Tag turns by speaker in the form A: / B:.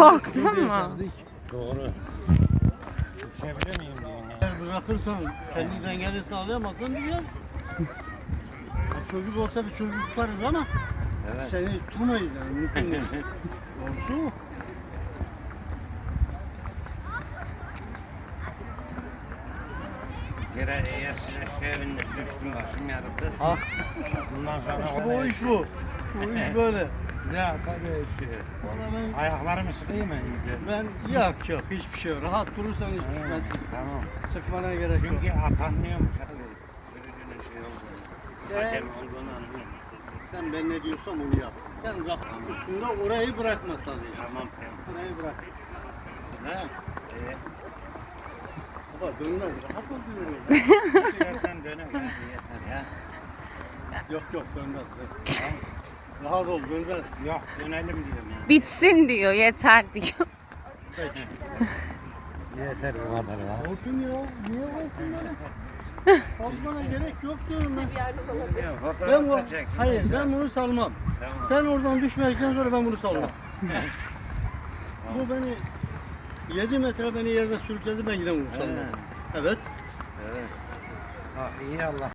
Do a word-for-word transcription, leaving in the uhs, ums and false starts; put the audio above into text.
A: Korktun mu?
B: Doğru. Düşebilir miyim diyorum ya.
C: Eğer bırakırsan kendi dengeni sağlayamazsan düşer. Çocuk olsa bir çocuk tutarız ama
B: Evet.
C: seni tutamayız yani mümkün değil. Oldu mu?
B: Bir kere eğer size evinde düştüm başım yarıldı.
C: Ha.
B: Bundan sonra
C: İşte bu iş bu. Bu iş böyle.
B: Ya tabii şey.
C: Vallahi ben,
B: Ayaklarımı sıkayım mı iyice?
C: ben yok yok hiçbir şey yok. Rahat durursan hiç düşmezsin.
B: Tamam.
C: Sıkmana gerek yok.
B: Çünkü atanmıyormuş abi. Sürücünün şey olduğunu.
C: Sen-
B: Hakem olduğunu anlıyor.
C: Sen ben ne diyorsam onu yap. Sen rahat üstünde orayı bırakma sadece.
B: Tamam tamam.
C: Orayı bırak.
B: Ne? Ee,
C: Baba dönmez. Rahat ol diyorum.
B: istersen döne ya. Yeter ya.
C: Yok yok dönmez. Rahat ol dönmez.
B: Yok dönelim diyorum ya.
A: Bitsin diyor, yeter diyor.
C: Peki.
B: Yeter bu kadar ya.
C: Korktun ya. Niye korktun ya? Korkmana gerek yok diyorum ben.
B: Ya,
C: Ben
B: fotoğraf
C: bu,
B: da çek.
C: hayır ben bunu salmam.
B: Tamam.
C: Sen oradan düşmedikten sonra ben bunu salmam. Bu beni yedi metre beni yerde sürükledi ben yine bunu salmam.
B: He.
C: Evet.
B: Evet. Ha, iyi Allah.